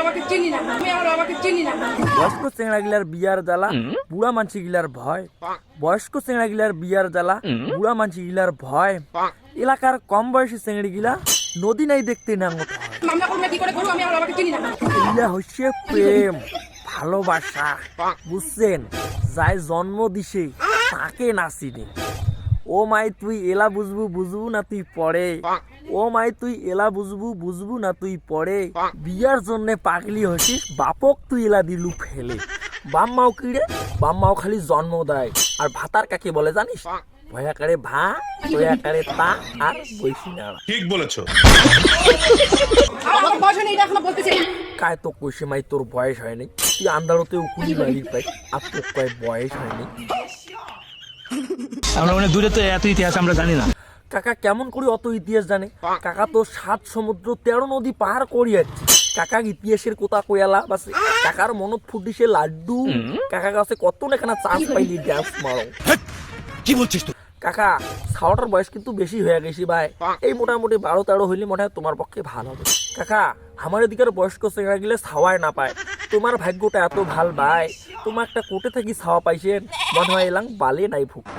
বয়স্ক চেংড়া গিলার বিয়ার জ্বালা বুড়া মানসি গিলার ভয়, বয়স্ক চেংড়া গিলার বিয়ার জ্বালা বুড়া মানসি গিলার ভয়। এলাকার কম বয়সী চেংড়ি গিলা নদী নাই দেখতে নাঙ্গত হয়। এগুলা হচ্ছে প্রেম ভালোবাসা, বুঝছেন? যাই জন্ম দিছে তাকে নাচিনে। ও মাই তুই এলা বুঝবু বুঝবু না তুই পড়ে, ও মাই তুই এলা বুঝবু বুঝবু না তুই পড়ে। বিয়ার জন্য পাগলি হসিস বাপক তুই এলা দিলু ফেলে। বাম্মাও কিরে, বাম্মাও খালি জন্ম দেয়। আর ভাতার কাকে বলে জানিস? ভয়াকারে ভা, ভয়াকারে তা, আর বৈশি নাড়া। ঠিক বলেছো। কায় তো কইছে মাই তোর বয়স হয়নি, তুই আন্দারতে উকুলি মারি পাই, আর তোর কয় বয়স হয়নি। আমরা মানে দূরে তো এত ইতিহাস আমরা জানি না। কাকা কেমন করে অত ইতিহাস জানে? কাকা তো 7 সমুদ্র 13 নদী পার করে যাচ্ছে। কাকা ইতিহাসের কথা কয়ালা বাসে, কাকার মনত ফুটিছে লাড্ডু। কাকা কাছে কত না কেনা চান্স পাইলি ড্যান্স মারো। কি বলছিস তুই? কাকা ছাওয়াটার বয়স কিন্তু বেশি হয়ে গেছি ভাই, এই মোটামুটি 12-13 হইলে মনে হয় তোমার পক্ষে ভালো হবে। কাকা আমার এদিকের বয়স্ক চেংড়া গেলে ছাওয়ায় না পায়, তোমার ভাগ্যটা এত ভাল ভাই, তোমার একটা কোটে থাকি ছাওয়া পাইছেন, মনে হয় এলাম বালে নাই ফুকতে।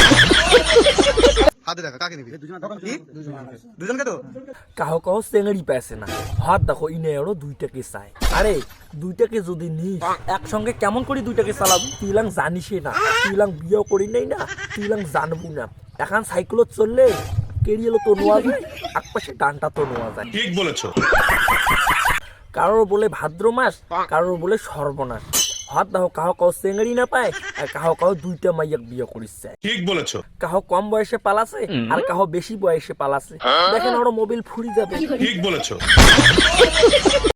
কাহো কাহো চেংড়ি পাইছে না, হাত দেখো ইনে আরো 2টাকে চাই। আরে 2টাকে যদি নিস একসঙ্গে কেমন করে 2টাকে চালাবো? তুই ইলাং জানিসই না, তুই ইলাং বিয়েও করি নাই না, তুই ইলাং জানবো না। এখন সাইকেলত চললে কেরিয়েলো তো নোয়া যায়, একপাশে ডানটা তো নোয়া যায়। ঠিক বলেছো। কারোর বলে ভাদ্র মাস, কারোর বলে সর্বনাশ। হাত দেখো কাহো কাহো চেংড়ি না পায়, আর কাহো কাহো 2টা মাইয়াক বিয়ে করিচ্ছে। ঠিক বলেছো। কাহো কম বয়সে পালাছে, আর কাহো বেশি বয়সে পালাছে। দেখেন ওর মোবাইল ফুরি যাবে। ঠিক বলেছো।